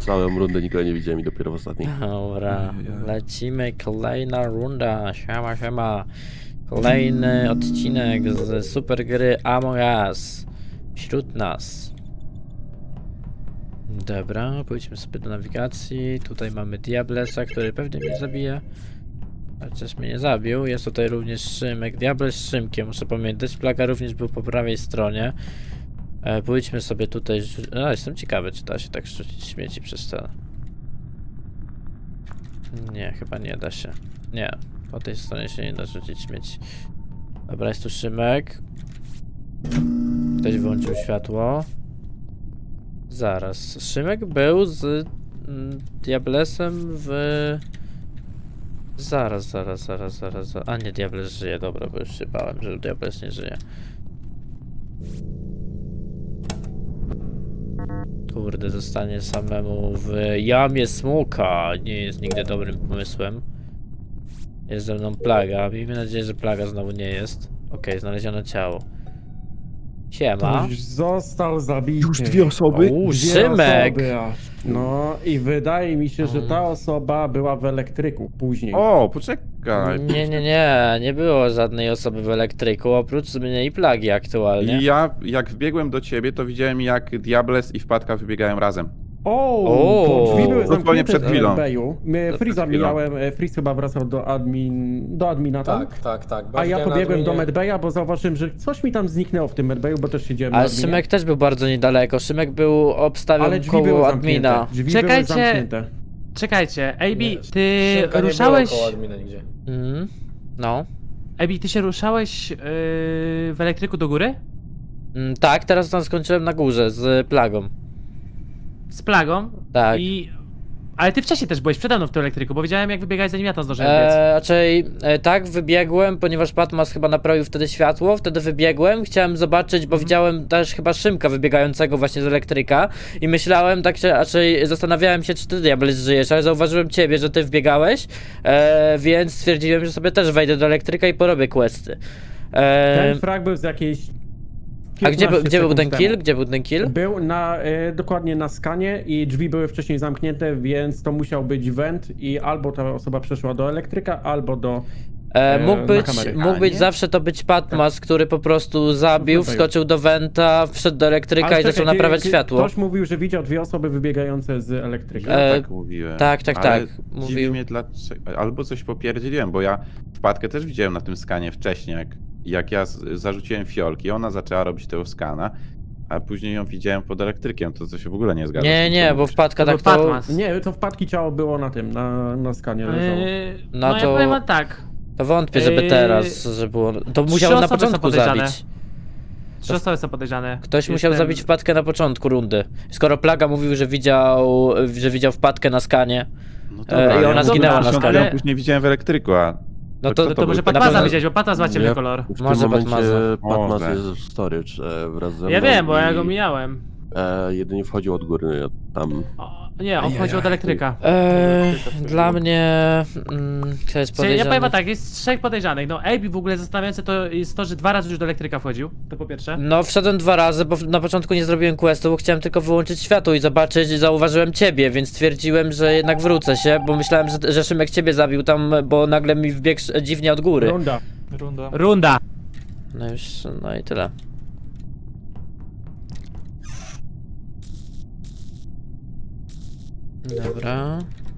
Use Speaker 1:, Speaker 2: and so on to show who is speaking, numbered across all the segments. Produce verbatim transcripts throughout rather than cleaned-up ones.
Speaker 1: Całą rundę nikogo nie widziałem i dopiero w ostatniej.
Speaker 2: Dobra, lecimy, kolejna runda, siema, siema. Kolejny odcinek z super gry Among Us. Wśród nas. Dobra, pójdźmy sobie do nawigacji. Tutaj mamy Diablesa, który pewnie mnie zabije. Chociaż mnie nie zabił. Jest tutaj również Szymek. Diables z Szymkiem, muszę pamiętać. Plaga również był po prawej stronie. E, pójdźmy sobie tutaj. No, jestem ciekawy, czy da się tak rzucić śmieci przez ten. Nie, chyba nie da się. Nie, po tej stronie się nie da rzucić śmieci. Dobra, jest tu Szymek. Ktoś wyłączył światło. Zaraz. Szymek był z mm, Diablesem w... Zaraz, zaraz, zaraz, zaraz, zaraz. A nie, Diables żyje, dobra, bo już się bałem, że Diables nie żyje. Kurde, zostanie samemu w jamie smoka. Nie jest nigdy dobrym pomysłem. Jest ze mną plaga. Miejmy nadzieję, że plaga znowu nie jest. Okej, okay, znaleziono ciało. Siema.
Speaker 3: Już został zabity.
Speaker 1: Już dwie osoby?
Speaker 2: U,
Speaker 3: Dwie
Speaker 2: Szymek!
Speaker 3: osoby aż. No i wydaje mi się, że ta osoba była w elektryku później.
Speaker 4: O, poczekaj.
Speaker 2: Nie, nie, nie. Nie było żadnej osoby w elektryku, oprócz mnie i plagi aktualnie.
Speaker 4: I ja, jak wbiegłem do ciebie, to widziałem, jak Diables i Wpadka wybiegają razem.
Speaker 3: O,
Speaker 2: O,
Speaker 3: to drzwi były
Speaker 4: dosłownie
Speaker 3: zamknięte
Speaker 4: przed
Speaker 3: w
Speaker 4: chwilą.
Speaker 3: Bayu.
Speaker 4: Przed
Speaker 3: Freeza
Speaker 4: chwilą.
Speaker 3: mijałem, e, Freeze chyba wracał do admin, do admina tam.
Speaker 5: Tak, tak, tak.
Speaker 3: A ja pobiegłem do
Speaker 5: adminie.
Speaker 3: Medbaya, bo zauważyłem, że coś mi tam zniknęło w tym Medbayu, bo też siedziałem na
Speaker 2: Ale
Speaker 3: adminie.
Speaker 2: Szymek też był bardzo niedaleko. Szymek był obstawiony
Speaker 3: Ale drzwi były
Speaker 2: koło
Speaker 3: zamknięte.
Speaker 2: admina.
Speaker 3: Drzwi
Speaker 6: Czekajcie.
Speaker 3: były zamknięte.
Speaker 6: Czekajcie, A B,
Speaker 5: Nie,
Speaker 6: ty
Speaker 5: Szymka nie
Speaker 6: ruszałeś...
Speaker 5: było koło admina nigdzie.
Speaker 2: Mm, no.
Speaker 6: A B, ty się ruszałeś yy, w elektryku do góry?
Speaker 2: Mm, tak, teraz tam skończyłem na górze z plagą.
Speaker 6: Z plagą?
Speaker 2: Tak.
Speaker 6: I... Ale ty wcześniej też byłeś przede mną w tym elektryku, bo widziałem jak wybiegałeś zanim ja tam zdążyłem biec.
Speaker 2: E, raczej e, tak, wybiegłem, ponieważ Patmas chyba naprawił wtedy światło, wtedy wybiegłem, chciałem zobaczyć, bo widziałem też chyba Szymka wybiegającego właśnie z elektryka i myślałem, tak się raczej zastanawiałem się, czy ty Diables żyjesz, ale zauważyłem ciebie, że ty wbiegałeś, e, więc stwierdziłem, że sobie też wejdę do elektryka i porobię questy. E,
Speaker 3: Ten frag był z jakiejś
Speaker 2: a gdzie, był-
Speaker 3: piętnaście
Speaker 2: gdzie był
Speaker 3: sekund
Speaker 2: ten
Speaker 3: temu.
Speaker 2: kill? Gdzie był ten kill?
Speaker 3: Był na, e, dokładnie na skanie i drzwi były wcześniej zamknięte, więc to musiał być went i albo ta osoba przeszła do elektryka, albo do...
Speaker 2: E,
Speaker 3: e,
Speaker 2: mógł
Speaker 3: na
Speaker 2: być,
Speaker 3: kamery.
Speaker 2: mógł
Speaker 3: A,
Speaker 2: być
Speaker 3: nie?
Speaker 2: zawsze to być Patmas, który po prostu zabił,
Speaker 3: W Medbayu.
Speaker 2: wskoczył do Venta, wszedł do elektryka
Speaker 3: Ale
Speaker 2: i zaczął
Speaker 3: czekaj, ty-
Speaker 2: naprawiać
Speaker 3: ty-
Speaker 2: światło.
Speaker 3: Ktoś mówił, że widział dwie osoby wybiegające z elektryka.
Speaker 4: Ja
Speaker 2: E,
Speaker 4: tak mówiłem.
Speaker 2: tak, tak,
Speaker 4: Ale
Speaker 2: tak,
Speaker 4: dziwi
Speaker 2: mówił.
Speaker 4: mnie dlaczego. Albo coś popierdzieliłem, bo ja Wpadkę też widziałem na tym skanie wcześniej, jak, jak ja z- zarzuciłem fiolki, ona zaczęła robić tego skana, a później ją widziałem pod elektrykiem, to co się w ogóle nie zgadza. z
Speaker 2: Nie,
Speaker 4: tym,
Speaker 2: nie,
Speaker 4: co
Speaker 2: bo
Speaker 4: mówisz.
Speaker 2: wpadka
Speaker 6: To
Speaker 2: tak
Speaker 6: był
Speaker 2: to...
Speaker 6: Patmas.
Speaker 3: Nie, to wpadki ciało było na tym, na, na skanie leżało.
Speaker 6: Yy,
Speaker 2: No
Speaker 6: no,
Speaker 2: to-
Speaker 6: ja powiem wam tak.
Speaker 2: To wątpię, żeby
Speaker 6: Yy,
Speaker 2: teraz, że było... To musiał na
Speaker 6: osoby są
Speaker 2: początku
Speaker 6: podejrzane.
Speaker 2: zabić.
Speaker 6: Trzy osoby są podejrzane.
Speaker 2: Ktoś musiał
Speaker 6: Jestem-
Speaker 2: zabić wpadkę na początku rundy. Skoro Plaga mówił, że widział, że widział wpadkę na skanie,
Speaker 4: No
Speaker 2: E, i
Speaker 4: ale
Speaker 2: ona
Speaker 4: ja
Speaker 2: zginęła
Speaker 4: mówię,
Speaker 2: na
Speaker 4: że
Speaker 2: skale.
Speaker 4: ją później widziałem w elektryku, a
Speaker 2: no
Speaker 4: To
Speaker 2: to...
Speaker 4: kto
Speaker 6: To, to może
Speaker 4: był?
Speaker 2: Na
Speaker 6: Patmaza
Speaker 2: pewno-
Speaker 6: widziałeś, bo Patmaz ma ciemny
Speaker 1: Ja-
Speaker 6: kolor.
Speaker 1: W
Speaker 2: Może
Speaker 1: tym momencie
Speaker 2: Batmaza.
Speaker 1: Patmas
Speaker 4: Może.
Speaker 1: jest w storage e, wraz ze mną.
Speaker 6: Ja wiem, bo ja
Speaker 1: i,
Speaker 6: go mijałem.
Speaker 1: E, jedynie wchodził od góry, ja tam...
Speaker 6: O, nie, on wchodził od elektryka.
Speaker 2: Eee, dla mnie... Mm, kto jest
Speaker 6: Czyli ja
Speaker 2: podejrzany?
Speaker 6: powiem wam tak, jest trzech podejrzanych. No A B w ogóle zastanawiające to jest to, że dwa razy już do elektryka wchodził. To po pierwsze.
Speaker 2: No wszedłem dwa razy, bo na początku nie zrobiłem questu, bo chciałem tylko wyłączyć światło i zobaczyć, zauważyłem ciebie, więc stwierdziłem, że jednak wrócę się, bo myślałem, że, że Szymek ciebie zabił tam, bo nagle mi wbiegł dziwnie od góry.
Speaker 3: Runda.
Speaker 5: Runda.
Speaker 6: Runda.
Speaker 2: No już, no i tyle. Dobra.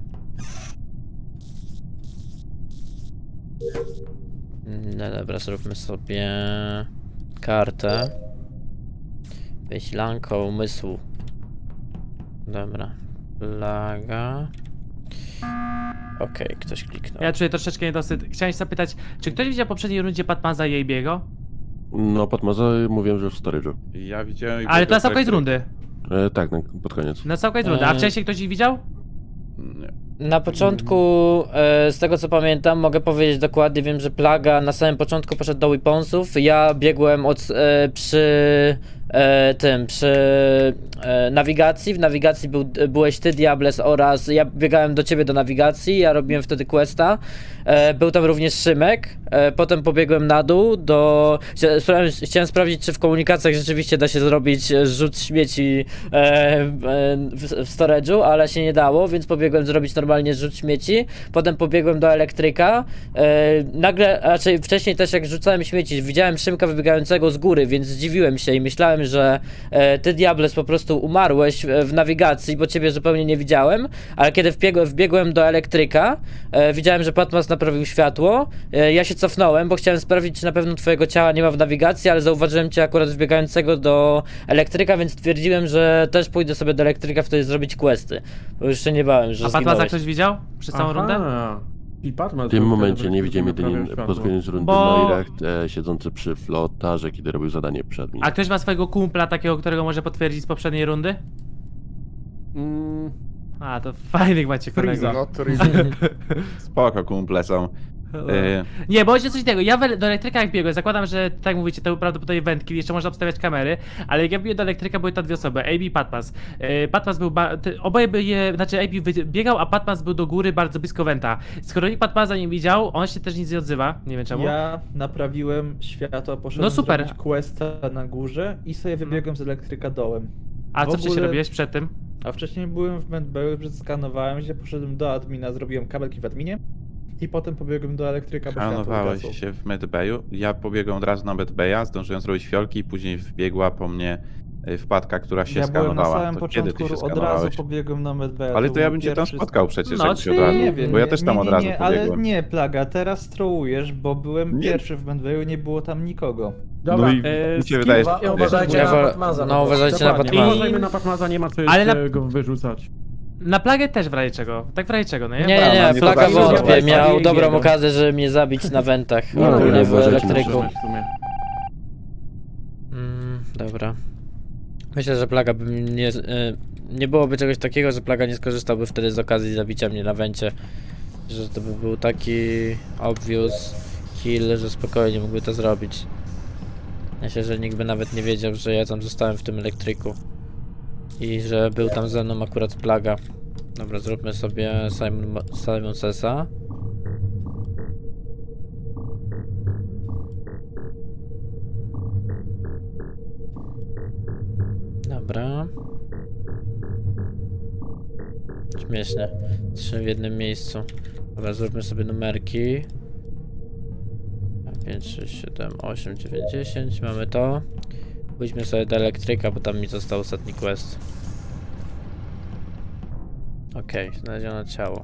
Speaker 2: No dobra, zróbmy sobie kartę. Wyślanka umysłu. Dobra. Plaga. Okej, ktoś kliknął.
Speaker 6: Ja czuję troszeczkę niedosyt. Chciałem się zapytać, czy ktoś widział w poprzedniej rundzie Patmaza i A B'ego?
Speaker 1: No, Patmasa mówiłem, że w storage'u.
Speaker 4: ja widziałem... ich
Speaker 6: Ale to na sam
Speaker 4: w
Speaker 6: koniec rundy.
Speaker 1: E, tak, na, pod koniec.
Speaker 6: Na sam koniec rundy. A
Speaker 2: Eee.
Speaker 6: wcześniej ktoś ich widział?
Speaker 4: Nie.
Speaker 2: Na początku, e, z tego co pamiętam, mogę powiedzieć dokładnie, wiem, że Plaga na samym początku poszedł do Weaponsów, ja biegłem od, e, przy e, tym, przy e, nawigacji. W nawigacji był, byłeś ty, Diables, oraz ja biegałem do ciebie do nawigacji, ja robiłem wtedy questa. E, był tam również Szymek, e, potem pobiegłem na dół do... chcia- spra- Chciałem sprawdzić, czy w komunikacjach rzeczywiście da się zrobić e, rzut śmieci e, e, w, w storage'u, ale się nie dało, więc pobiegłem zrobić normalnie rzut śmieci. Potem pobiegłem do elektryka. E, nagle, raczej wcześniej też jak rzucałem śmieci, widziałem Szymka wybiegającego z góry, więc zdziwiłem się i myślałem, że e, ty, Diables, po prostu umarłeś w, w nawigacji, bo ciebie zupełnie nie widziałem, ale kiedy wbiegłem, wbiegłem do elektryka, e, widziałem, że Patmas naprawił światło. E, ja się cofnąłem, bo chciałem sprawdzić, czy na pewno twojego ciała nie ma w nawigacji, ale zauważyłem cię akurat wbiegającego do elektryka, więc stwierdziłem, że też pójdę sobie do elektryka wtedy zrobić questy, bo już się nie bałem, że
Speaker 6: A Patmaza
Speaker 2: zginąłeś.
Speaker 6: ktoś widział przez całą rundę?
Speaker 3: I Patmas
Speaker 1: W tym
Speaker 3: był
Speaker 1: momencie
Speaker 3: wtedy,
Speaker 1: nie
Speaker 3: który
Speaker 1: widziałem
Speaker 3: naprawiał
Speaker 1: jedynie
Speaker 3: światło.
Speaker 1: pod koniec rundy
Speaker 6: Bo-
Speaker 1: Neuracht e, siedzący przy flotarze, kiedy robił zadanie przed nim.
Speaker 6: A ktoś ma swojego kumpla takiego, którego może potwierdzić z poprzedniej rundy?
Speaker 3: Mm,
Speaker 6: A, to fajnych macie
Speaker 3: Freeza.
Speaker 6: kolegów.
Speaker 5: No to Riza.
Speaker 4: Spoko, kumple są. Y,
Speaker 6: Nie, bo będzie coś innego. Ja we- do elektryka jak biegłem, zakładam, że tak mówicie, to był prawdopodobnie wędki, jeszcze można obstawiać kamery, ale jak ja biegłem do elektryka, były to dwie osoby, A B i Patmas. Yy, Patmas był, ba- ty, oboje by je, znaczy A B biegał, a Patmas był do góry bardzo blisko węta. Skoro nikt Patmasa nie widział, on się też nic nie odzywa, nie wiem czemu.
Speaker 7: Ja naprawiłem światło, poszedłem
Speaker 6: No super.
Speaker 7: zrobić questa na górze i sobie wybiegłem z elektryka dołem.
Speaker 6: A
Speaker 7: w
Speaker 6: co wcześniej
Speaker 7: ogóle-
Speaker 6: robiłeś przed tym?
Speaker 7: A wcześniej byłem w medbayu, przeskanowałem się, poszedłem do admina, zrobiłem kabelki w adminie i potem pobiegłem do elektryka, bo światło
Speaker 4: Planowałeś
Speaker 7: zgasło.
Speaker 4: się w medbayu. Ja pobiegłem od razu na medbaya, zdążyłem zrobić fiolki i później wbiegła po mnie y, wpadka, która się
Speaker 7: Ja byłem na
Speaker 4: skanowała.
Speaker 7: samym
Speaker 4: To kiedy
Speaker 7: początku,
Speaker 4: ty się
Speaker 7: od razu
Speaker 4: skanowałeś?
Speaker 7: pobiegłem na medbaya.
Speaker 4: Ale to
Speaker 7: był
Speaker 4: ja bym cię tam
Speaker 7: pierwszy
Speaker 4: spotkał
Speaker 7: skok.
Speaker 4: przecież,
Speaker 6: No,
Speaker 4: jakbyś
Speaker 6: czyli
Speaker 4: od razu.
Speaker 7: Nie wiem,
Speaker 4: Bo ja
Speaker 7: nie-
Speaker 4: też tam
Speaker 7: nie,
Speaker 4: od
Speaker 7: nie,
Speaker 4: razu
Speaker 7: nie, ale
Speaker 4: pobiegłem.
Speaker 7: nie, Plaga, teraz trołujesz, bo byłem
Speaker 4: Nie.
Speaker 7: pierwszy w medbayu, nie było tam nikogo.
Speaker 3: Dobra,
Speaker 4: No i
Speaker 3: e,
Speaker 4: mi się
Speaker 3: skip-
Speaker 4: wydaje, że-
Speaker 3: ja
Speaker 5: Uważajcie
Speaker 2: Ja
Speaker 5: na
Speaker 2: wa-
Speaker 5: Patmaza.
Speaker 2: no, uważajcie na
Speaker 3: Dokładnie,
Speaker 2: Patmaza.
Speaker 3: uważajmy na Patmaza, nie ma co
Speaker 6: Ale na-
Speaker 3: jeszcze go wyrzucać.
Speaker 6: Na plagę też w razie czego, tak w razie czego, no
Speaker 2: Nie,
Speaker 6: nie?
Speaker 2: nie,
Speaker 4: Dobra,
Speaker 2: nie,
Speaker 4: nie
Speaker 2: Plaga
Speaker 4: zobaczymy,
Speaker 2: wątpię,
Speaker 4: zobaczymy.
Speaker 2: miał
Speaker 3: I
Speaker 2: dobrą
Speaker 3: jego.
Speaker 2: okazję, żeby mnie zabić na wentach,
Speaker 1: No,
Speaker 2: ogólnie
Speaker 1: no,
Speaker 2: w
Speaker 1: uważajcie na
Speaker 2: elektryku.
Speaker 1: siebie.
Speaker 3: W sumie.
Speaker 2: Mm, dobra. Myślę, że Plaga by nie, y, nie byłoby czegoś takiego, że Plaga nie skorzystałby wtedy z okazji zabicia mnie na wencie. Że to by był taki obvious kill, że spokojnie mógłby to zrobić. Myślę, że nikt by nawet nie wiedział, że ja tam zostałem w tym elektryku. I że był tam ze mną akurat Plaga. Dobra, zróbmy sobie Simon, Simon Sessa. Dobra. Śmieszne. Trzy w jednym miejscu. Dobra, zróbmy sobie numerki. pięć, sześć, siedem, osiem, dziewięć, dziesięć. Mamy to. Pójdźmy sobie do elektryka, bo tam mi został ostatni quest. Okej, okay, znaleziono ciało.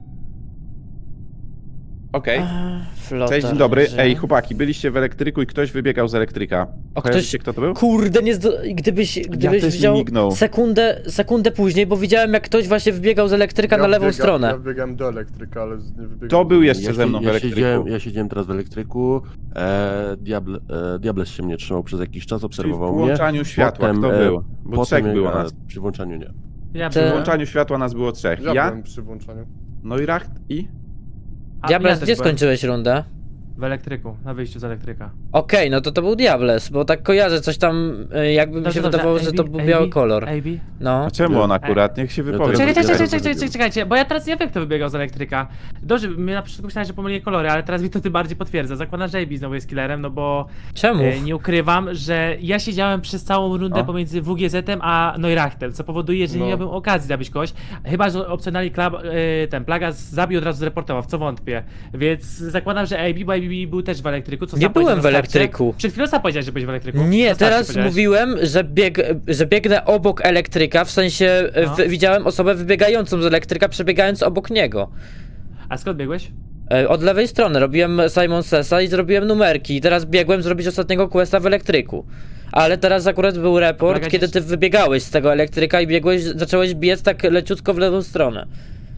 Speaker 4: Okej.
Speaker 2: Flotar
Speaker 4: Cześć, dzień dobry.
Speaker 2: leży.
Speaker 4: Ej, chłopaki, byliście w elektryku i ktoś wybiegał z elektryka.
Speaker 2: O,
Speaker 4: Kojarzycie,
Speaker 2: ktoś-
Speaker 4: kto to był?
Speaker 2: Kurde, nie zdo... gdybyś, gdybyś
Speaker 4: też mi
Speaker 2: widział
Speaker 4: mignął.
Speaker 2: sekundę, sekundę później, bo widziałem jak ktoś właśnie wbiegał z elektryka na lewą
Speaker 5: wbiega-
Speaker 2: stronę.
Speaker 5: Ja wbiegam do elektryka, ale z- nie wybiegam.
Speaker 4: To był
Speaker 1: Ja,
Speaker 4: jeszcze ze mną
Speaker 1: si-
Speaker 4: w
Speaker 1: ja,
Speaker 4: elektryku.
Speaker 1: siedziałem, ja siedziałem teraz w elektryku, e, Diable, e, Diables się mnie trzymał przez jakiś czas,
Speaker 4: Czyli w
Speaker 1: obserwował mnie.
Speaker 4: włączaniu światła,
Speaker 1: Potem,
Speaker 4: kto
Speaker 1: e,
Speaker 4: był? Bo
Speaker 1: Potem
Speaker 4: trzech
Speaker 1: jak-
Speaker 4: było
Speaker 1: a,
Speaker 4: nas.
Speaker 1: Przy włączaniu nie.
Speaker 6: Ja
Speaker 2: Te-
Speaker 4: W
Speaker 6: byłem.
Speaker 4: włączaniu światła nas było trzech.
Speaker 5: Ja,
Speaker 4: Ja,
Speaker 5: byłem przy włączaniu.
Speaker 4: Neuracht i...
Speaker 6: A,
Speaker 2: Diables,
Speaker 6: ja też
Speaker 2: gdzie
Speaker 6: byłem.
Speaker 2: skończyłeś rundę?
Speaker 6: W elektryku, na wyjściu z elektryka.
Speaker 2: Okej, no to to był Diables, bo tak kojarzę coś tam, y, jakby mi
Speaker 6: Dobrze,
Speaker 2: się
Speaker 6: dobrze,
Speaker 2: wydawało, że to
Speaker 6: A B,
Speaker 2: był
Speaker 6: A B,
Speaker 2: biały kolor.
Speaker 6: A B?
Speaker 2: No.
Speaker 4: A czemu on akurat? Niech się wypowie.
Speaker 1: też
Speaker 6: Czekaj, czekaj,
Speaker 1: widziałem,
Speaker 6: czekaj,
Speaker 1: co
Speaker 6: czekaj,
Speaker 1: zrobił.
Speaker 6: czekajcie, bo ja teraz nie wiem, kto wybiegał z elektryka. Dobrze, my na początku myślałem, że pomyliłem kolory, ale teraz mi to tym bardziej potwierdza. Zakładam, że A B znowu jest killerem, no bo
Speaker 2: Czemu?
Speaker 6: e, nie ukrywam, że ja siedziałem przez całą rundę
Speaker 4: O.
Speaker 6: pomiędzy W G Z-em a Neurachtem, co powoduje, że nie
Speaker 5: No.
Speaker 6: miałbym okazji zabić kogoś. Chyba, że opcjonalnie klab, e, ten Plaga zabił, od razu zreportował, w co wątpię. Więc zakładam, że A B, bo A B był też w elektryku. Co
Speaker 2: Nie
Speaker 6: sam powiedziałeś
Speaker 2: byłem
Speaker 6: na
Speaker 2: w
Speaker 6: starcie.
Speaker 2: elektryku.
Speaker 6: Przed chwilą sam powiedziałeś, że byłeś w elektryku. Na
Speaker 2: Nie,
Speaker 6: starcie
Speaker 2: teraz
Speaker 6: powiedziałeś.
Speaker 2: mówiłem, że, bieg, że biegnę obok elektryka, w sensie y,
Speaker 6: No.
Speaker 2: w, widziałem osobę wybiegającą z elektryka, przebiegając obok niego.
Speaker 6: A skąd biegłeś?
Speaker 2: E, Od lewej strony robiłem Simon Sessa i zrobiłem numerki i teraz biegłem zrobić ostatniego questa w elektryku. Ale teraz akurat był report,
Speaker 6: Plaga
Speaker 2: kiedy
Speaker 6: gdzieś-
Speaker 2: ty wybiegałeś z tego elektryka i biegłeś, zacząłeś biec tak leciutko w lewą stronę.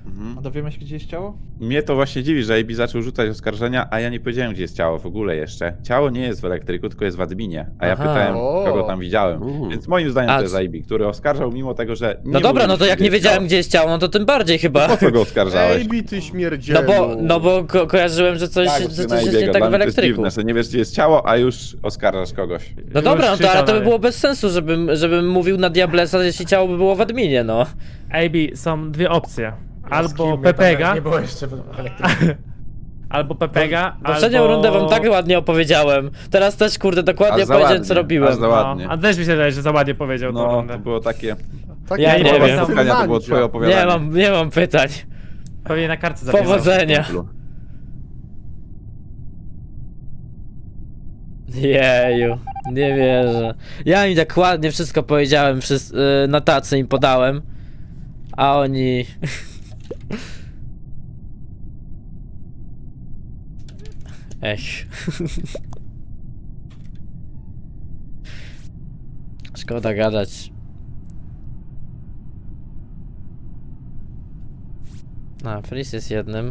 Speaker 4: Mhm.
Speaker 7: A dowiemy się, gdzie jest ciało?
Speaker 4: Mnie to właśnie dziwi, że A B zaczął rzucać oskarżenia, a ja nie powiedziałem, gdzie jest ciało w ogóle jeszcze. Ciało nie jest w elektryku, tylko jest w adminie, a ja
Speaker 2: Aha.
Speaker 4: pytałem,
Speaker 5: O.
Speaker 4: kogo tam widziałem.
Speaker 1: Mm.
Speaker 4: Więc moim zdaniem
Speaker 2: A
Speaker 4: to jest
Speaker 2: c-
Speaker 4: A B, który oskarżał mimo tego, że nie
Speaker 2: No dobra,
Speaker 4: mówił,
Speaker 2: no to jak
Speaker 4: gdzie
Speaker 2: nie
Speaker 4: jest
Speaker 2: wiedziałem,
Speaker 4: ciało.
Speaker 2: gdzie jest ciało, no to tym bardziej chyba.
Speaker 4: Po co go oskarżałeś?
Speaker 5: Ej, ty śmierdzielu.
Speaker 2: No bo, no bo ko kojarzyłem, że coś,
Speaker 4: Tak,
Speaker 2: że
Speaker 4: ty
Speaker 2: coś
Speaker 4: na
Speaker 2: jest
Speaker 4: Ibiego.
Speaker 2: nie
Speaker 4: Dla
Speaker 2: tak w
Speaker 4: mnie to jest
Speaker 2: elektryku.
Speaker 4: dziwne, że nie wiesz, gdzie jest ciało, a już oskarżasz kogoś.
Speaker 2: No dobra, no to,
Speaker 6: krzyczał
Speaker 2: ale to
Speaker 6: na
Speaker 2: by
Speaker 6: mnie.
Speaker 2: było bez sensu, żebym, żebym mówił na Diablesa, jeśli ciało by było w adminie, no.
Speaker 6: A B, są dwie opcje.
Speaker 8: Ja z kim?
Speaker 6: Albo
Speaker 8: Ja tam
Speaker 6: Pepega,
Speaker 8: Nie było jeszcze w w elektryku.
Speaker 6: albo Pepega,
Speaker 2: Poprzednią
Speaker 6: albo...
Speaker 2: rundę wam tak ładnie opowiedziałem. Teraz też, kurde, dokładnie
Speaker 4: Aż za
Speaker 2: powiedziałem,
Speaker 4: ładnie,
Speaker 2: co robiłem.
Speaker 4: aż za ładnie.
Speaker 6: No, a też mi się wydaje, że za ładnie powiedział tą
Speaker 4: No,
Speaker 6: rundę.
Speaker 4: to było takie...
Speaker 5: Takie
Speaker 2: Ja nie
Speaker 5: chyba
Speaker 2: wiem.
Speaker 4: Spotkania, to było twoje opowiadanie.
Speaker 2: Nie mam, nie mam pytań.
Speaker 6: Pewnie na kartce zapisał.
Speaker 2: Powodzenia. Jeju, nie wierzę. Ja im tak ładnie wszystko powiedziałem, wszys- yy, na tacy im podałem, a oni... Ech. Szkoda gadać. A, Freeze jest jednym.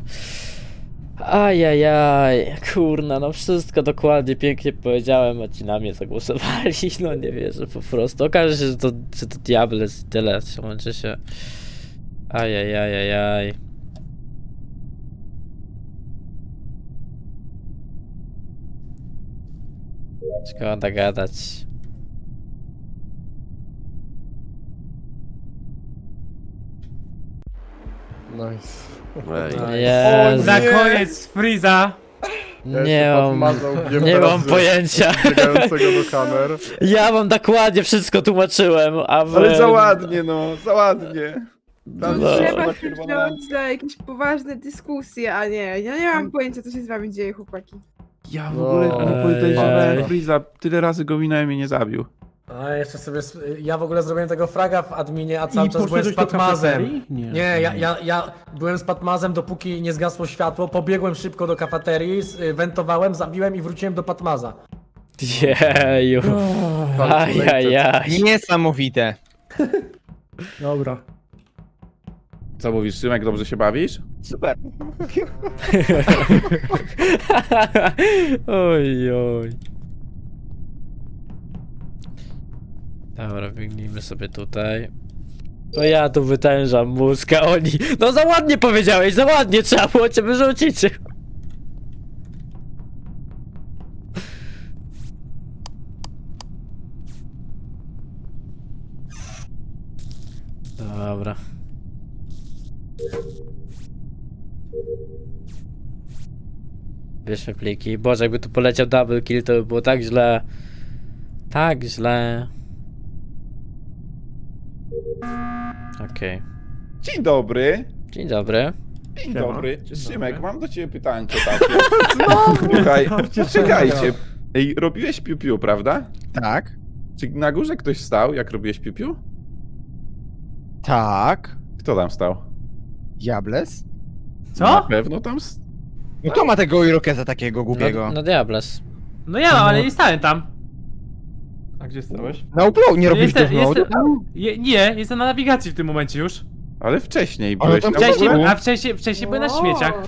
Speaker 2: Ajajaj, kurna, no wszystko dokładnie, pięknie powiedziałem, a ci na mnie zagłosowali, no nie wierzę po prostu. Okaże się, że to, że to Diables i tyle, łączy się. Ajajajajaj. Szkoda gadać.
Speaker 5: Nice.
Speaker 1: Ej.
Speaker 2: Jezu,
Speaker 6: Na
Speaker 5: Nie.
Speaker 6: koniec Freeza.
Speaker 5: Ja
Speaker 2: nie
Speaker 5: jeszcze
Speaker 2: mam,
Speaker 5: Patmaza ubiłem
Speaker 2: nie
Speaker 5: teraz
Speaker 2: mam
Speaker 5: z-
Speaker 2: pojęcia.
Speaker 5: biegającego do kamer.
Speaker 2: Ja wam dokładnie wszystko tłumaczyłem, a wy...
Speaker 4: Ale za ładnie, no, za ładnie. Tam
Speaker 2: No.
Speaker 4: się
Speaker 9: Trzeba
Speaker 4: chyba
Speaker 9: się
Speaker 4: czerwona-
Speaker 9: wziąć za jakieś poważne dyskusje, a nie, ja nie mam pojęcia, co się z wami dzieje, chłopaki.
Speaker 4: Ja w
Speaker 5: No.
Speaker 4: ogóle nie podejrzewałem
Speaker 2: Ej.
Speaker 4: Freeza. Tyle razy go minąłem i nie zabił.
Speaker 8: A jeszcze sobie. sp- Ja w ogóle zrobiłem tego fraga w adminie, a cały
Speaker 3: I tak
Speaker 8: czas byłem z
Speaker 3: poszedłeś do
Speaker 8: Patmazem.
Speaker 3: kafeterii? Nie.
Speaker 8: Nie, ja, ja, ja byłem z Patmazem, dopóki nie zgasło światło. Pobiegłem szybko do kafeterii, s- y, wentowałem, zabiłem i wróciłem do Patmaza.
Speaker 2: Jeju. Ajajaj.
Speaker 10: Niesamowite.
Speaker 3: Dobra.
Speaker 4: Co mówisz, Szymek, dobrze się bawisz?
Speaker 10: Super.
Speaker 2: Oj, oj. Dobra, biegnijmy sobie tutaj. To ja tu wytężam mózg, a oni... No za ładnie powiedziałeś, za ładnie, trzeba było cię wyrzucić. Dobra. Bierzmy pliki. Boże, jakby tu poleciał double kill, to by było tak źle. Tak źle. Okej.
Speaker 4: Dzień dobry.
Speaker 2: Dzień dobry.
Speaker 4: Dzień
Speaker 3: Siema.
Speaker 4: dobry.
Speaker 3: Dzień
Speaker 4: Szymek,
Speaker 3: dobry.
Speaker 4: mam do ciebie pytanko takie. Słuchaj, czekajcie. Ej, robiłeś piu-piu, prawda?
Speaker 10: Tak.
Speaker 4: Czy na górze ktoś stał, jak robiłeś piu-piu?
Speaker 10: Tak.
Speaker 4: Kto tam stał?
Speaker 10: Diables?
Speaker 4: Na
Speaker 6: Co?
Speaker 4: pewno tam s-
Speaker 10: No to ma tego Irokeza takiego głupiego.
Speaker 2: No, no Diables.
Speaker 6: No ja, ale nie stałem tam.
Speaker 7: A gdzie stałeś?
Speaker 10: Na upload nie robisz
Speaker 6: Jestem,
Speaker 10: downloadu?
Speaker 6: jestem, je, nie, jestem na nawigacji w tym momencie już.
Speaker 4: Ale wcześniej
Speaker 10: Ale
Speaker 4: byłeś
Speaker 10: to
Speaker 4: tam w
Speaker 6: Wcześniej,
Speaker 4: ogóle?
Speaker 6: a wcześniej, wcześniej byłem na śmieciach.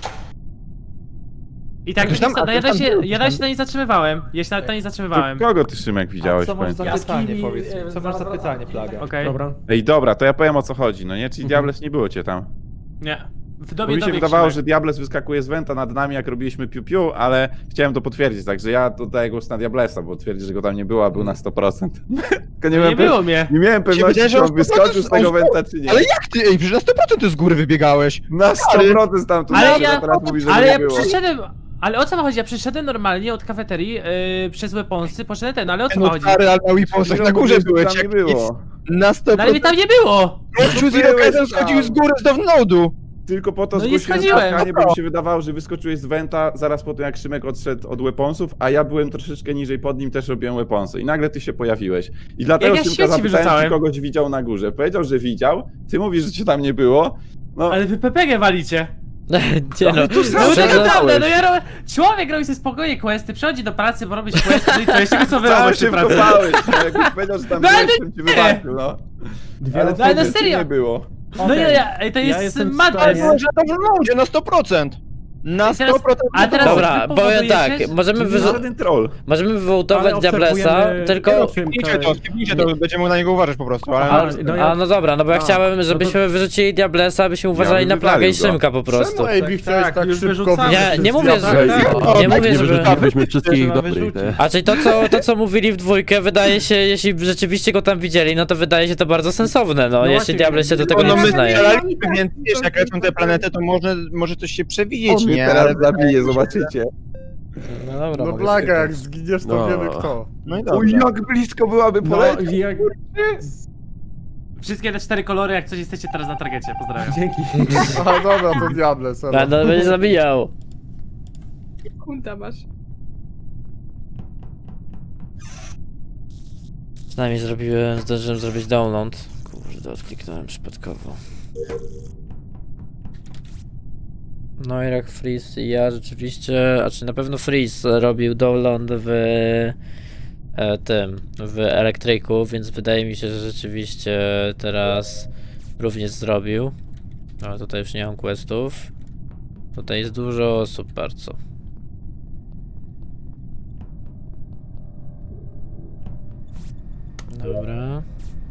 Speaker 6: I tak,
Speaker 10: Ktoś tam-
Speaker 6: no,
Speaker 10: a
Speaker 6: ja,
Speaker 10: ktoś
Speaker 6: tam
Speaker 10: tam
Speaker 6: się,
Speaker 10: był,
Speaker 6: ja
Speaker 10: tam.
Speaker 6: tam się na nie zatrzymywałem. Ja się na, na nie zatrzymywałem.
Speaker 4: To kogo ty, Szymek, widziałeś?
Speaker 7: Co masz
Speaker 4: Powiedz?
Speaker 7: za
Speaker 3: Jaskini,
Speaker 7: pytanie, powiedz mi?
Speaker 8: e,
Speaker 7: Co masz za
Speaker 8: zaraz
Speaker 7: pytanie,
Speaker 8: wracam.
Speaker 7: Plaga?
Speaker 6: Okej,
Speaker 3: Dobra.
Speaker 4: Ej, dobra, to ja powiem, o co chodzi, no nie? Czyli Diables nie było cię tam.
Speaker 6: nie. W
Speaker 4: Bo
Speaker 6: dobie
Speaker 4: mi się
Speaker 6: dobie
Speaker 4: wydawało,
Speaker 6: Krzymek.
Speaker 4: że Diables wyskakuje z Wenta nad nami, jak robiliśmy piu-piu, ale chciałem to potwierdzić, także ja dodaję głos na Diablesa, bo twierdzi, że go tam nie było, a był na sto procent. Tylko nie,
Speaker 6: Nie
Speaker 4: miałem
Speaker 6: było
Speaker 4: pe-
Speaker 6: mnie.
Speaker 4: nie miałem pewności,
Speaker 10: wydaje, że
Speaker 4: czy
Speaker 10: on
Speaker 4: on wyskoczył z tego
Speaker 10: on-
Speaker 4: Wenta, czy nie.
Speaker 10: Ale jak ty? Ej, przecież na sto procent ty z góry wybiegałeś.
Speaker 4: Na sto procent tam tu
Speaker 6: Ale
Speaker 4: ale
Speaker 6: ja-
Speaker 4: teraz mówi, że
Speaker 6: Ale
Speaker 4: nie
Speaker 6: ja
Speaker 4: było.
Speaker 6: przyszedłem... Ale o co ma chodzi? Ja przyszedłem normalnie od kafeterii yy, przez Weaponsy, poszedłem ten, ale o co ma
Speaker 10: No
Speaker 6: chodzi?
Speaker 10: stary, ale na Weaponsach na górze były.
Speaker 4: Tam nie było.
Speaker 10: Na sto
Speaker 6: No ale mnie
Speaker 10: procent.
Speaker 6: tam nie było!
Speaker 10: Gościu z
Speaker 4: Byłeś
Speaker 10: Irokezem
Speaker 4: tam.
Speaker 10: schodził z góry z downloadu.
Speaker 4: Tylko po to
Speaker 6: No nie
Speaker 4: zgłosiłem
Speaker 6: schodziłem.
Speaker 4: spotkanie, bo mi się wydawało, że wyskoczyłeś z Wenta zaraz po tym, jak Szymek odszedł od Weaponsów, a ja byłem troszeczkę niżej pod nim, też robiłem Weaponsy. I nagle ty się pojawiłeś. I dlatego
Speaker 6: Jak ja
Speaker 4: Szymka
Speaker 6: świeci
Speaker 4: zapytałem, czy
Speaker 6: wyrzucałem.
Speaker 4: kogoś widział na górze. Powiedział, że widział, ty mówisz, że cię tam nie było. No,
Speaker 6: Ale wy pepegę walicie.
Speaker 2: Nie no.
Speaker 4: tu sam
Speaker 6: No
Speaker 2: Szczerze-
Speaker 6: tak naprawdę,
Speaker 4: dałeś.
Speaker 6: no ja robię... Człowiek robi sobie spokojnie questy, przychodzi do pracy, bo robić questy, no i co, jeszcze go co
Speaker 4: Cały
Speaker 6: wyrobić
Speaker 4: się
Speaker 6: w pracy.
Speaker 4: wkopałeś, no, jakbyś powiedział, że tam
Speaker 6: No ale
Speaker 4: byłeś, to ci
Speaker 6: nie.
Speaker 4: wybaczył, no.
Speaker 3: Dwie
Speaker 4: Ale
Speaker 6: No ale
Speaker 4: to
Speaker 6: no serio.
Speaker 4: nie było.
Speaker 6: No ja, ja, ej, to
Speaker 3: Ja
Speaker 6: jest
Speaker 3: jestem w
Speaker 6: madness.
Speaker 3: stanie-
Speaker 10: Ale że to w loadzie, na sto procent. Na
Speaker 6: I teraz-
Speaker 10: sto procent.
Speaker 6: a teraz-
Speaker 2: Dobra,
Speaker 6: wy
Speaker 2: powiem tak,
Speaker 6: powodujecie-
Speaker 2: możemy,
Speaker 4: To jest
Speaker 2: wyrzu-
Speaker 4: żaden troll.
Speaker 2: możemy
Speaker 3: Ale
Speaker 2: wywołtować Diablesa,
Speaker 3: obserwujemy
Speaker 2: tylko...
Speaker 3: Szymka.
Speaker 10: Skipnijcie to, skipnijcie to, będziemy mógł na niego uważać po prostu, ale...
Speaker 3: Aha,
Speaker 2: A,
Speaker 3: no ja-
Speaker 2: a no dobra, no bo ja
Speaker 3: A,
Speaker 2: chciałem,
Speaker 3: no
Speaker 2: żebyśmy wyrzucili Diablesa, byśmy uważali
Speaker 4: bym
Speaker 2: na plagę i
Speaker 4: wywalił go.
Speaker 2: Szymka po prostu.
Speaker 5: Czemu Ej, chciałeś
Speaker 6: tak,
Speaker 5: tak
Speaker 6: już
Speaker 5: szybko
Speaker 6: wyrzucamy
Speaker 2: Nie, nie mówię, że...
Speaker 5: wszystkich?
Speaker 2: Nie
Speaker 1: Tak,
Speaker 2: mówię,
Speaker 1: nie
Speaker 2: żeby...
Speaker 1: wyrzucilibyśmy wszystkich
Speaker 6: Trzeba
Speaker 1: dobrych.
Speaker 6: wyrzucić.
Speaker 1: te.
Speaker 2: A czyli to co, to, co mówili w dwójkę, wydaje się, jeśli rzeczywiście go tam widzieli, no to wydaje się to bardzo sensowne, no,
Speaker 3: No
Speaker 2: jeśli
Speaker 3: właśnie,
Speaker 2: Diables się do tego
Speaker 10: No,
Speaker 2: nie
Speaker 10: my
Speaker 2: przyznaje.
Speaker 10: strzelaliśmy, więc wiesz, jak lecą te planety, to może, może coś się przewidzieć,
Speaker 4: On mnie
Speaker 10: nie?
Speaker 4: teraz
Speaker 10: Ale...
Speaker 4: zabije, zobaczycie.
Speaker 2: No dobra,
Speaker 5: No
Speaker 2: mogę
Speaker 5: plaga,
Speaker 2: sobie
Speaker 5: jak zginiesz, to
Speaker 1: No.
Speaker 5: wiemy kto.
Speaker 10: No i
Speaker 4: O,
Speaker 10: dobrze.
Speaker 4: jak blisko byłaby
Speaker 3: No,
Speaker 4: polecieć.
Speaker 3: jak...
Speaker 6: Wszystkie te cztery kolory, jak coś jesteście teraz na targecie, pozdrawiam.
Speaker 3: Dzięki.
Speaker 5: Aha, dobra, to diable, serio.
Speaker 2: No, no będzie zabijał.
Speaker 9: Kunta masz.
Speaker 2: Przynajmniej zrobiłem, zdążyłem zrobić download. Kurde, odkliknąłem przypadkowo. No i jak Freeze i ja rzeczywiście, a czy na pewno Freeze robił download w e, tym, w elektryku, więc wydaje mi się, że rzeczywiście teraz również zrobił. Ale tutaj już nie mam questów. Tutaj jest dużo osób bardzo. Dobra.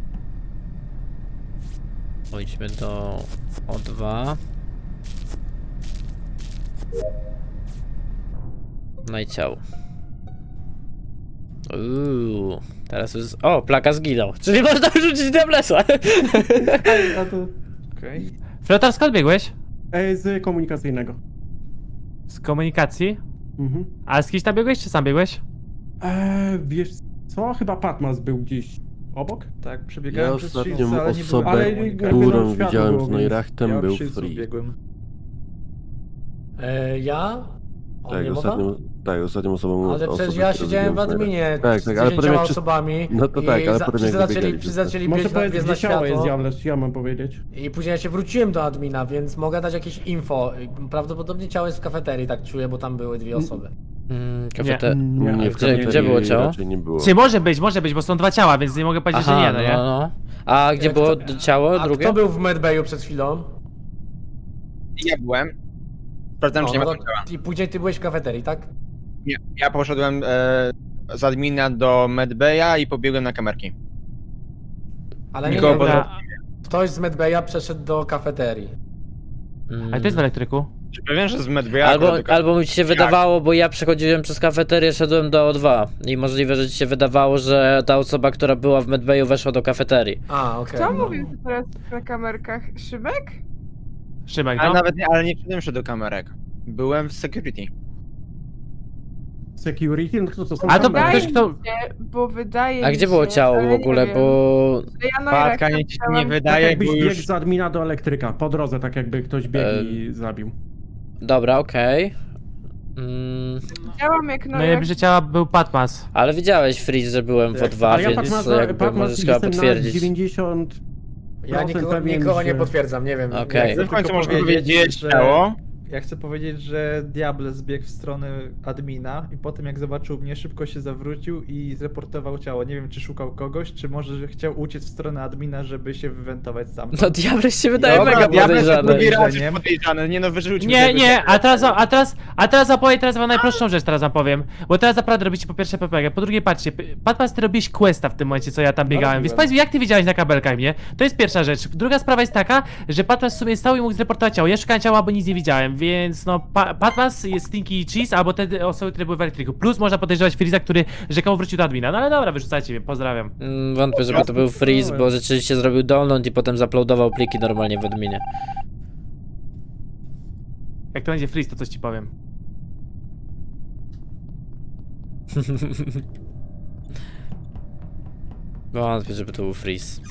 Speaker 2: Pójdźmy do O dwa. No i ciało. Uuu, teraz jest... O, plaka zginął. Czyli można wyrzucić Diablesa.
Speaker 3: A to...
Speaker 7: Okej.
Speaker 6: Flotar, skąd biegłeś?
Speaker 3: E, z komunikacyjnego.
Speaker 6: Z komunikacji?
Speaker 3: Mhm.
Speaker 6: A z kimś tam biegłeś, czy sam biegłeś?
Speaker 3: Eee, wiesz co? Chyba Patmas był gdzieś obok?
Speaker 7: Tak,
Speaker 1: Ja
Speaker 7: przebiegałem przez
Speaker 1: ostatnią
Speaker 7: Shields, ale nie byłem
Speaker 1: osobę,
Speaker 3: Ale
Speaker 7: na
Speaker 3: jakby
Speaker 7: komunikacji.
Speaker 3: nam
Speaker 1: którą
Speaker 3: światło
Speaker 1: widziałem
Speaker 3: było,
Speaker 1: z
Speaker 3: więc-
Speaker 1: Neurachtem,
Speaker 7: Ja
Speaker 1: był
Speaker 7: w Shieldsów
Speaker 1: Free.
Speaker 7: biegłem.
Speaker 8: E, ja? O
Speaker 1: Tak,
Speaker 8: mnie mowa?
Speaker 1: ostatnią, tak, ostatnią osobą...
Speaker 8: Ale przecież
Speaker 1: osobę,
Speaker 8: ja
Speaker 1: która
Speaker 8: siedziałem w
Speaker 1: widziałem z
Speaker 8: adminie
Speaker 1: Tak,
Speaker 8: z
Speaker 1: tak, ale potem
Speaker 8: dziesięcioma
Speaker 1: jak wszyscy-
Speaker 8: osobami
Speaker 1: No to tak,
Speaker 8: i
Speaker 1: ale
Speaker 8: za-
Speaker 1: potem
Speaker 8: wszyscy
Speaker 1: jak
Speaker 8: zaczęli,
Speaker 1: wybiegali
Speaker 8: wszyscy
Speaker 1: wszyscy.
Speaker 8: zaczęli
Speaker 3: Może
Speaker 8: biec na,
Speaker 3: powiedz,
Speaker 8: biec
Speaker 3: gdzie
Speaker 8: na
Speaker 3: ciało jest
Speaker 8: światło
Speaker 3: Diables, ja mam powiedzieć.
Speaker 8: i później ja się wróciłem do admina, więc mogę dać jakieś info. Prawdopodobnie ciało jest w kafeterii, tak czuję, bo tam były dwie osoby.
Speaker 2: Mm, kafete...
Speaker 3: Nie,
Speaker 1: Nie, w
Speaker 2: Gdzie-
Speaker 1: kafeterii
Speaker 2: gdzie było ciało?
Speaker 1: raczej nie było.
Speaker 6: Czy może być, może być, bo są dwa ciała, więc nie mogę powiedzieć, że nie, no nie?
Speaker 2: no, no. A gdzie
Speaker 8: Jak
Speaker 2: było
Speaker 8: to-
Speaker 2: ciało
Speaker 8: A
Speaker 2: drugie?
Speaker 8: kto był w medbayu przed chwilą?
Speaker 10: Ja byłem. Sprawdzałem, czy nie
Speaker 8: O,
Speaker 10: ma
Speaker 8: no
Speaker 10: tam
Speaker 8: to-
Speaker 10: ciała.
Speaker 8: I później ty byłeś w kafeterii, tak?
Speaker 10: Nie, ja poszedłem e, z admina do medbaya i pobiegłem na kamerki.
Speaker 8: Ale nie,
Speaker 10: Nikogo
Speaker 8: nie,
Speaker 6: Dobra,
Speaker 8: ktoś z medbaya przeszedł do kafeterii.
Speaker 2: Mm.
Speaker 6: ale to jest w elektryku.
Speaker 10: Czy pewien, że z medbaya
Speaker 2: Albo,
Speaker 10: akurat do
Speaker 2: albo mi ci się wydawało, bo ja przechodziłem przez kafeterię, szedłem do O dwa i możliwe, że ci się wydawało, że ta osoba, która była w medbayu weszła do kafeterii.
Speaker 8: A, okej.
Speaker 9: Kto
Speaker 8: no.
Speaker 9: mówił to teraz na kamerkach? Szymek?
Speaker 6: Szymek,
Speaker 10: Ale
Speaker 6: no.
Speaker 10: nawet nie, ale nie wszedłem jeszcze do kamerek. Byłem w security.
Speaker 3: Security? No to co są
Speaker 6: A to
Speaker 3: kamery.
Speaker 6: ktoś, kto...
Speaker 9: Nie, bo wydaje
Speaker 2: A
Speaker 9: mi
Speaker 2: gdzie było
Speaker 9: się,
Speaker 2: ciało
Speaker 9: ale
Speaker 2: w ogóle,
Speaker 9: nie wiem,
Speaker 2: bo...
Speaker 9: że ja na
Speaker 10: Patka,
Speaker 9: Iraka
Speaker 10: nie ci się
Speaker 9: widziałam-
Speaker 10: nie
Speaker 3: Tak
Speaker 10: wydaje,
Speaker 3: jakbyś
Speaker 10: bo
Speaker 3: biegł
Speaker 10: już...
Speaker 3: z admina do elektryka, po drodze, tak jakby ktoś biegł i zabił.
Speaker 2: Dobra, okej. Mm,
Speaker 9: Widziałam jak
Speaker 6: No
Speaker 9: Noira
Speaker 6: najbliżej ciała był Patmas.
Speaker 2: ale widziałeś, Freeze, że byłem w O dwa,
Speaker 3: Ale ja
Speaker 2: więc
Speaker 3: Patmas,
Speaker 2: jakby
Speaker 3: Patmas
Speaker 2: możesz chyba
Speaker 3: jestem na
Speaker 2: potwierdzić.
Speaker 3: dziewięćdziesiąt procent
Speaker 8: Ja nikogo,
Speaker 3: pewien,
Speaker 8: nikogo nie
Speaker 3: że-
Speaker 8: potwierdzam, nie wiem.
Speaker 2: Okej.
Speaker 8: jak-
Speaker 10: W końcu
Speaker 7: Tylko
Speaker 10: można
Speaker 7: powiedzieć,
Speaker 10: powiedzieć, gdzie
Speaker 7: że-
Speaker 10: ciało.
Speaker 7: Ja chcę powiedzieć, że Diable zbiegł w stronę admina i potem jak zobaczył mnie, szybko się zawrócił i zreportował ciało. Nie wiem, czy szukał kogoś, czy może że chciał uciec w stronę admina, żeby się wywentować sam.
Speaker 2: No Diables się wydaje
Speaker 10: Dobra,
Speaker 2: mega
Speaker 10: ja bym
Speaker 2: podejrzany.
Speaker 10: drugi raz już
Speaker 7: Podejrzeniem.
Speaker 10: podejrzany, nie no, wyrzućmy
Speaker 6: Nie,
Speaker 10: tego
Speaker 6: nie,
Speaker 10: ciała.
Speaker 6: a teraz, a teraz, a teraz zapowiem, teraz wam najprostszą rzecz teraz wam powiem. Bo teraz naprawdę robicie po pierwsze P P G, po drugie patrzcie, P- Patmas, ty robiłeś questa w tym momencie, co ja tam biegałem, więc
Speaker 7: robiłem.
Speaker 6: powiedz mi, jak ty wiedziałeś na kabelkach mnie? To jest pierwsza rzecz. Druga sprawa jest taka, że Patmas w sumie stał i mógł zreportować ciało. Ja szukałem ciała, bo nic nie widziałem, więc no, pa Patmas jest Stinky Cheese, albo te osoby, które były w elektryku. Plus można podejrzewać Freeza, który rzekomo wrócił do admina. No ale dobra, wyrzucajcie mnie, pozdrawiam.
Speaker 2: Mm, Wątpię, żeby to był Freeze, bo rzeczywiście zrobił download i potem zaploadował pliki normalnie w adminie.
Speaker 6: Jak to będzie Freeze, to coś ci powiem.
Speaker 2: Wątpię, żeby to był Freeze.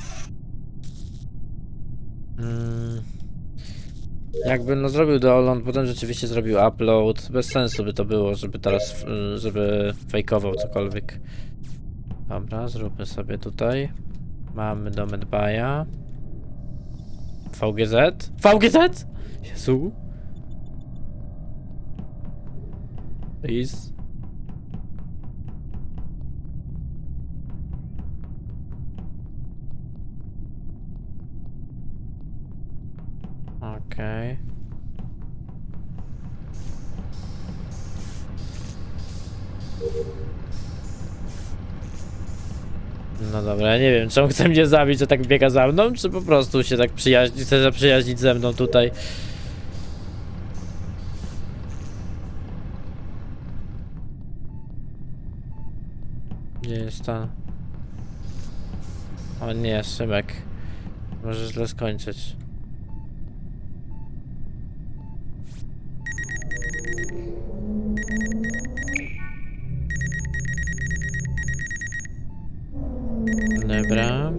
Speaker 2: Mm. Jakby no zrobił download, potem rzeczywiście zrobił upload. Bez sensu by to było, żeby teraz, y, żeby fejkował cokolwiek. Dobra, zróbmy sobie tutaj. Mamy do Medbaya. V G Z? V G Z? Jezu. Please. Okej. No dobra, ja nie wiem, czy on chce mnie zabić, że tak biega za mną, czy po prostu się tak przyjaźni, chce zaprzyjaźnić ze mną tutaj. Gdzie jest ta? O nie, Szymek. Może źle skończyć. Dobra.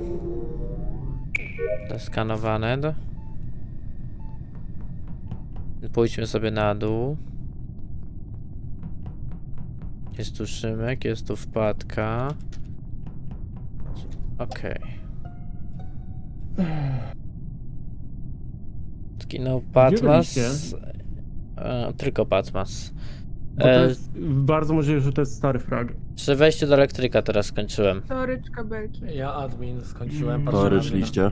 Speaker 2: Zeskanowane. Do... Pójdźmy sobie na dół. Jest tu Szymek, jest tu wpadka. Okej. Zginął Patmas.
Speaker 3: byliście?
Speaker 2: E, tylko Patmas.
Speaker 3: Bo to
Speaker 2: E,
Speaker 3: jest bardzo możliwe, że to jest stary frag.
Speaker 2: przy wejściu do elektryka teraz skończyłem.
Speaker 9: Storage kabelki.
Speaker 8: Ja admin skończyłem.
Speaker 3: Mm.
Speaker 8: patrzyłem
Speaker 1: Storage
Speaker 8: na admina.
Speaker 1: liście.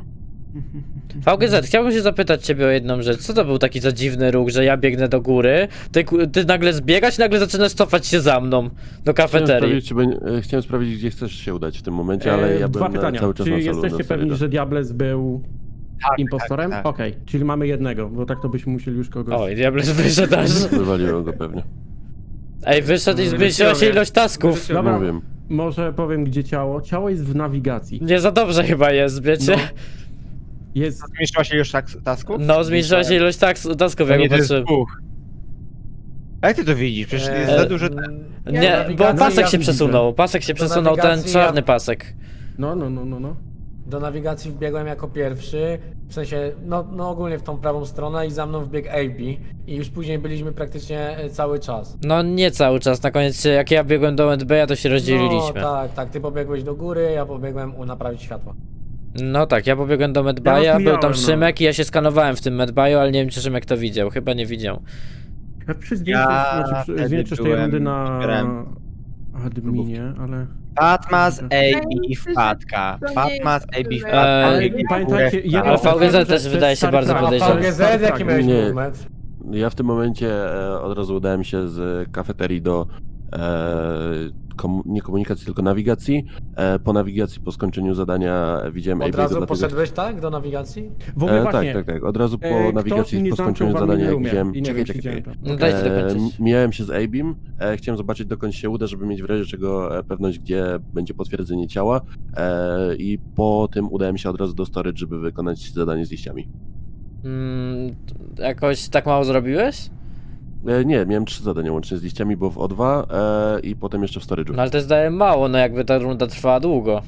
Speaker 2: V G Z, chciałbym się zapytać ciebie o jedną rzecz. Co to był taki za dziwny ruch, że ja biegnę do góry, ty, ty nagle zbiegasz i nagle zaczynasz cofać się za mną do
Speaker 1: Chciałem
Speaker 2: kafeterii.
Speaker 1: sprawdzić, czy będzie, e, chciałem sprawdzić, gdzie chcesz się udać w tym momencie, ale
Speaker 3: E,
Speaker 1: ja
Speaker 3: Dwa
Speaker 1: byłem na-
Speaker 3: pytania.
Speaker 1: cały czas
Speaker 3: Czy
Speaker 1: na solu.
Speaker 3: jesteście
Speaker 1: na
Speaker 3: pewni,
Speaker 1: Solida.
Speaker 3: że Diables był
Speaker 10: Tak,
Speaker 3: impostorem?
Speaker 10: tak, tak.
Speaker 3: Okej, czyli mamy jednego, bo tak to byśmy musieli już kogoś...
Speaker 2: Oj, diables wyszedł aż.
Speaker 1: Wywaliłem go pewnie.
Speaker 2: Ej, wyszedł i
Speaker 6: Nie
Speaker 2: zmniejszyła się
Speaker 6: wróciłem.
Speaker 2: ilość tasków.
Speaker 3: Dobra.
Speaker 1: Nie wiem.
Speaker 3: Może powiem, gdzie ciało. Ciało jest w nawigacji.
Speaker 2: Nie za dobrze chyba jest, wiecie?
Speaker 3: No. Jest...
Speaker 10: Zmniejszyła się już tak, tasków?
Speaker 2: No, zmniejszyła się ilość taks- tasków, jak
Speaker 10: Nie, to jest
Speaker 2: patrzyłem.
Speaker 10: dwóch. A jak ty to widzisz? Przecież jest
Speaker 2: Eee,
Speaker 10: za dużo...
Speaker 2: Nie, bo
Speaker 8: nawigacji
Speaker 2: pasek
Speaker 8: ja
Speaker 2: się
Speaker 3: widzę.
Speaker 2: przesunął, pasek się
Speaker 8: Do
Speaker 2: przesunął, ten
Speaker 8: nawigacji ja-
Speaker 2: czarny pasek.
Speaker 3: No, no, no, no, no.
Speaker 8: Do nawigacji wbiegłem jako pierwszy, w sensie, no, no ogólnie w tą prawą stronę i za mną wbiegł A B i już później byliśmy praktycznie e, cały czas.
Speaker 2: No nie cały czas, na koniec się- jak ja biegłem do Medbeja, to się rozdzieliliśmy.
Speaker 8: No tak, tak, ty pobiegłeś do góry, ja pobiegłem u naprawić światła.
Speaker 2: No tak, ja pobiegłem do
Speaker 3: Ja
Speaker 2: Medbaya,
Speaker 3: was
Speaker 2: był tam
Speaker 3: mijałem, no.
Speaker 2: Szymek i ja się skanowałem w tym Medbayu, ale nie wiem czy Szymek to widział, chyba nie widział.
Speaker 3: Ja przy zdjęciu,
Speaker 10: Ja
Speaker 3: znaczy przy
Speaker 10: wtedy
Speaker 3: zdjęciu tej
Speaker 10: byłem-
Speaker 3: rundy na
Speaker 10: zbierałem
Speaker 3: adminie, ale...
Speaker 10: Patmas, A
Speaker 9: Ej,
Speaker 10: B,
Speaker 9: myślę, że
Speaker 10: wpadka.
Speaker 9: to nie
Speaker 10: Patmas,
Speaker 9: jest
Speaker 10: A B,
Speaker 9: tyle.
Speaker 10: wpadka.
Speaker 3: Ale
Speaker 2: Eee,
Speaker 3: pamiętajcie, jedno
Speaker 2: Ale V G Z
Speaker 3: że
Speaker 2: też
Speaker 3: to
Speaker 2: wydaje
Speaker 3: jest
Speaker 2: się
Speaker 3: stary
Speaker 2: bardzo
Speaker 3: frag.
Speaker 2: podejrzany.
Speaker 8: V G
Speaker 3: Stary
Speaker 8: Z, jaki
Speaker 3: frag.
Speaker 8: miałeś
Speaker 1: Nie.
Speaker 8: movement?
Speaker 1: Ja w tym momencie e, od razu udałem się z kafeterii do e, komu- nie komunikacji, tylko nawigacji. E, po nawigacji, po skończeniu zadania widziałem
Speaker 8: Od
Speaker 1: A B
Speaker 8: razu
Speaker 1: dlatego-
Speaker 8: poszedłeś, tak, do nawigacji?
Speaker 3: W ogóle
Speaker 1: E,
Speaker 3: właśnie,
Speaker 1: tak, tak, tak. Od razu po
Speaker 3: e, ktoś
Speaker 1: nawigacji,
Speaker 3: mnie
Speaker 1: po
Speaker 3: zamknął
Speaker 1: skończeniu
Speaker 3: w
Speaker 1: zadania, jak
Speaker 3: admin
Speaker 1: widziałem...
Speaker 3: roomie i nie
Speaker 1: Czekaj,
Speaker 3: wiem, czy
Speaker 1: czekaj,
Speaker 3: widziałem
Speaker 1: czekaj.
Speaker 2: No dajcie
Speaker 1: E,
Speaker 2: dokończyć.
Speaker 1: mijałem się z A-Beam, e, chciałem zobaczyć dokąd się uda, żeby mieć w razie czego e, pewność, gdzie będzie potwierdzenie ciała e, i po tym udałem się od razu do storage, żeby wykonać zadanie z liściami.
Speaker 2: Mm, jakoś tak mało zrobiłeś?
Speaker 1: E, nie, miałem trzy zadania łącznie z liściami, bo w O dwa e, i potem jeszcze w storage'u.
Speaker 2: No ale to jest daje mało, no jakby ta runda trwała długo.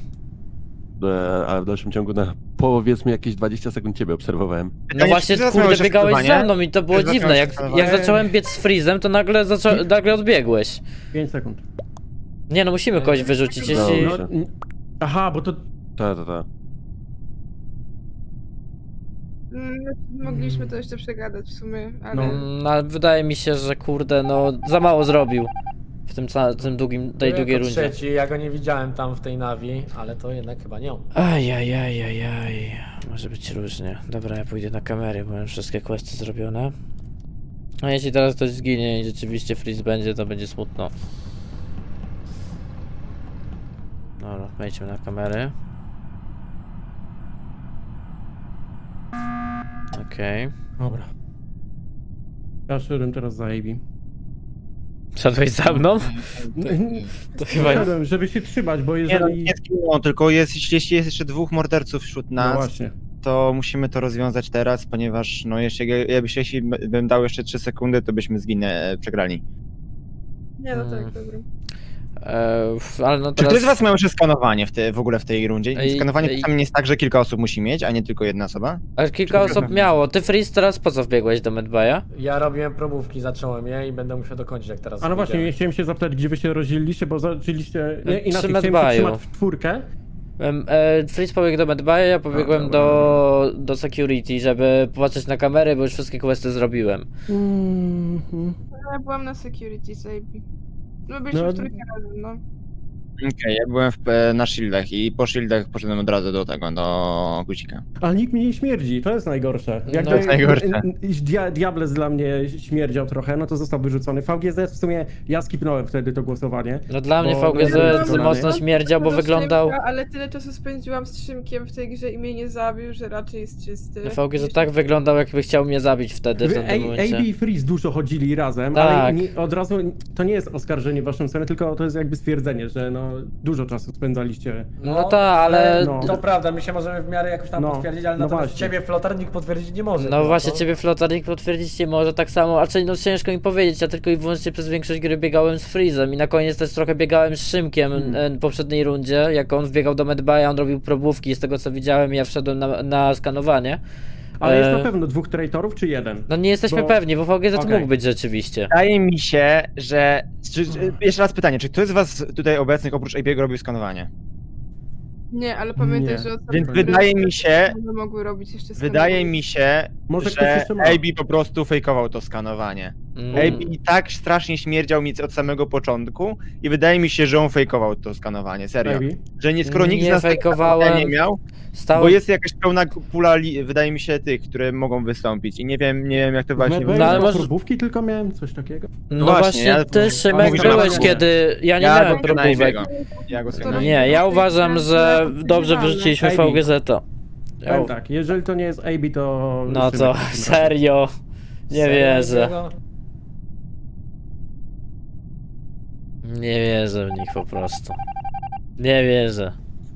Speaker 1: E, ale w dalszym ciągu na powiedzmy jakieś dwadzieścia sekund ciebie obserwowałem.
Speaker 2: No właśnie, kurde, biegałeś za mną i to było
Speaker 10: Teraz
Speaker 2: dziwne,
Speaker 10: miałeś
Speaker 2: jak,
Speaker 10: skanowanie?
Speaker 2: jak zacząłem biec z Freezem, to nagle, zaczą, nagle odbiegłeś.
Speaker 3: pięć sekund.
Speaker 2: Nie no, musimy kogoś wyrzucić,
Speaker 1: No,
Speaker 2: jeśli...
Speaker 1: no.
Speaker 3: No, n- aha, bo to...
Speaker 1: Ta, ta, ta.
Speaker 9: Mm, Mogliśmy to jeszcze przegadać w sumie, ale...
Speaker 3: No.
Speaker 2: Mm, ale wydaje mi się, że kurde, no za mało zrobił w tym, ca- tym długim, tej
Speaker 8: Był
Speaker 2: długiej
Speaker 8: jako
Speaker 2: rundzie.
Speaker 8: trzeci, ja go nie widziałem tam w tej nawi, ale to jednak chyba nie on.
Speaker 2: Ajajajajaj, może być różnie. Dobra, ja pójdę na kamery, bo mam wszystkie questy zrobione. A jeśli teraz ktoś zginie i rzeczywiście freeze będzie, to będzie smutno. Dobra, wejdźmy na kamery. Okej.
Speaker 3: Dobra. Ja szedłem teraz za A B.
Speaker 2: Szedłeś za mną? To chyba...
Speaker 3: Szedłem, żeby się trzymać, bo
Speaker 10: Nie, no,
Speaker 3: jeżeli...
Speaker 10: nie zginął, tylko jest, jeśli jest jeszcze dwóch morderców wśród
Speaker 3: No
Speaker 10: nas,
Speaker 3: właśnie.
Speaker 10: to musimy to rozwiązać teraz, ponieważ no jeszcze, jakbyś, jeśli bym dał jeszcze trzy sekundy, to byśmy zginę, przegrali.
Speaker 9: Nie, no tak,
Speaker 2: Mm.
Speaker 9: dobra.
Speaker 2: E, f- ale no
Speaker 10: Czy
Speaker 2: teraz...
Speaker 10: ktoś z was miał jeszcze skanowanie w, te, w ogóle w tej rundzie?
Speaker 2: Ej,
Speaker 10: Skanowanie
Speaker 2: ej.
Speaker 10: czasami nie jest tak, że kilka osób musi mieć, a nie tylko jedna osoba?
Speaker 2: Ale kilka osób miało. Ty freeze teraz po co wbiegłeś do Medbaya?
Speaker 8: Ja robiłem probówki, zacząłem je i będę musiał dokończyć jak teraz
Speaker 3: A no właśnie,
Speaker 8: widziałem.
Speaker 3: chciałem się zapytać, gdzie wy się rozdzieliliście, bo zaczęliście... Nie,
Speaker 2: Przy
Speaker 3: inaczej, chciałem się
Speaker 2: Medbayu.
Speaker 3: trzymać w czwórkę.
Speaker 2: Em, E, Freeze pobiegł do Medbaya, ja pobiegłem
Speaker 3: dobra,
Speaker 2: do, do security, żeby popatrzeć na kamery, bo już wszystkie questy zrobiłem.
Speaker 3: Mhm.
Speaker 9: Ja byłam na security z A B. No byliśmy
Speaker 3: No,
Speaker 9: w trójkę razem, no.
Speaker 10: Okej, ja byłem w, e, na shieldach i po shieldach poszedłem od razu do tego, do guzika.
Speaker 3: Ale nikt mi nie śmierdzi, to jest najgorsze. Jak
Speaker 2: No.
Speaker 3: to
Speaker 10: jest najgorsze.
Speaker 3: Dia, Diables dla mnie śmierdział trochę, no to został wyrzucony. V G Z w sumie ja skipnąłem wtedy to głosowanie.
Speaker 2: No dla mnie
Speaker 3: Bo-
Speaker 2: V G
Speaker 3: no,
Speaker 2: Z
Speaker 3: no, no,
Speaker 2: mocno
Speaker 3: no.
Speaker 2: śmierdział, bo
Speaker 9: Do
Speaker 2: wyglądał...
Speaker 9: Szymka, ale tyle czasu spędziłam z Szymkiem w tej grze i mnie nie zabił, że raczej jest czysty.
Speaker 2: V G Z tak wyglądał, jakby chciał mnie zabić wtedy, w
Speaker 3: Wy-
Speaker 2: tym
Speaker 3: A-
Speaker 2: momencie.
Speaker 3: A B i Freeze dużo chodzili razem,
Speaker 2: Tak.
Speaker 3: ale nie, od razu to nie jest oskarżenie w waszą stronę, tylko to jest jakby stwierdzenie, że no dużo czasu spędzaliście.
Speaker 2: No tak, ale...
Speaker 3: no.
Speaker 8: To prawda, my się możemy w miarę jakoś tam
Speaker 3: No,
Speaker 8: potwierdzić, ale
Speaker 3: no
Speaker 8: natomiast
Speaker 3: właśnie.
Speaker 8: ciebie Flotar nikt potwierdzić nie może.
Speaker 2: No właśnie,
Speaker 8: to...
Speaker 2: ciebie Flotarnik potwierdzić nie może tak samo, raczej no ciężko mi powiedzieć, ja tylko i wyłącznie przez większość gry biegałem z Freezem i na koniec też trochę biegałem z Szymkiem
Speaker 3: Hmm.
Speaker 2: e, w poprzedniej rundzie, jak on wbiegał do Medbaya, on robił probówki, z tego co widziałem, ja wszedłem na, na skanowanie.
Speaker 3: Ale jest
Speaker 2: E,
Speaker 3: na pewno dwóch traitorów czy jeden?
Speaker 2: No nie jesteśmy
Speaker 3: bo-
Speaker 2: pewni, bo V G Z
Speaker 3: Okej.
Speaker 2: mógł być rzeczywiście.
Speaker 10: Wydaje mi się, że... Czy, czy, jeszcze raz pytanie, czy ktoś z was tutaj obecnych oprócz A B'ego robił skanowanie?
Speaker 9: Nie, ale pamiętaj,
Speaker 3: Nie.
Speaker 9: że osoby,
Speaker 10: Więc
Speaker 9: które
Speaker 10: wydaje mi się,
Speaker 9: nie mogły robić jeszcze
Speaker 10: wydaje
Speaker 9: skanowania.
Speaker 10: mi się,
Speaker 3: Może ktoś
Speaker 10: że
Speaker 3: jeszcze ma.
Speaker 10: A B po prostu fejkował to skanowanie.
Speaker 2: Mm.
Speaker 10: A B tak strasznie śmierdział mi od samego początku i wydaje mi się, że on fejkował to skanowanie, serio.
Speaker 3: A B?
Speaker 10: Że nie, skoro nikt z
Speaker 2: Nie
Speaker 10: nas tego
Speaker 2: fejkowałem.
Speaker 10: skanowania nie miał,
Speaker 2: Stał...
Speaker 10: bo jest jakaś pełna pula, li, wydaje mi się, tych, które mogą wystąpić i nie wiem, nie wiem jak to właśnie
Speaker 3: No,
Speaker 2: ale
Speaker 10: wygląda.
Speaker 2: może-
Speaker 3: próbówki tylko miałem, coś takiego.
Speaker 2: No
Speaker 10: właśnie,
Speaker 2: właśnie,
Speaker 10: ja-
Speaker 2: ty Szymek
Speaker 10: mówisz, że
Speaker 2: byłeś
Speaker 10: masz-
Speaker 2: kiedy... Ja nie
Speaker 10: Ja
Speaker 2: miałem
Speaker 10: go na
Speaker 2: probówek.
Speaker 10: Abiego. Ja go
Speaker 9: To
Speaker 2: Nie, ja uważam, że dobrze wyrzuciliśmy
Speaker 3: Ej,
Speaker 2: V G Z. Ja...
Speaker 3: Powiem tak, jeżeli to nie jest A B, to...
Speaker 2: No
Speaker 3: Szymek
Speaker 2: to
Speaker 3: w takim razie.
Speaker 2: serio, nie wierzę. Nie wierzę w nich po prostu. Nie wierzę.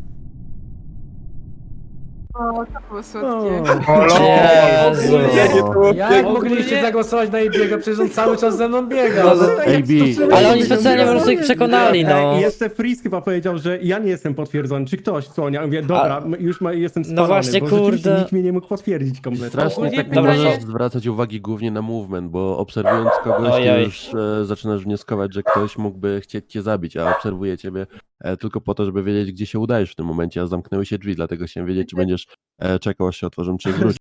Speaker 9: O, to było słodkie.
Speaker 2: Jezu.
Speaker 8: Jak mogliście zagłosować na Ibiego? Przecież on cały czas ze mną biegał.
Speaker 2: No,
Speaker 3: A B.
Speaker 2: Ale oni specjalnie po prostu ich przekonali, no.
Speaker 3: I jeszcze Freeze chyba powiedział, że ja nie jestem potwierdzony, czy ktoś słania. Ja mówię, dobra, m- już ma, jestem spalony,
Speaker 2: właśnie,
Speaker 3: bo rzeczywiście
Speaker 2: kurde.
Speaker 3: nikt mnie nie mógł potwierdzić kompletnie.
Speaker 1: Strasznie
Speaker 9: Ogólnie
Speaker 1: tak nie
Speaker 2: dobra,
Speaker 1: możesz
Speaker 2: że-
Speaker 1: zwracać uwagi głównie na movement, bo obserwując kogoś, ty
Speaker 2: Ojej.
Speaker 1: już e, zaczynasz wnioskować, że ktoś mógłby chcieć cię zabić, a obserwuje ciebie e, tylko po to, żeby wiedzieć, gdzie się udajesz w tym momencie, a zamknęły się drzwi, dlatego chciałem wiedzieć, czy będziesz e, czekał, aż się otworzą, czy wrócisz.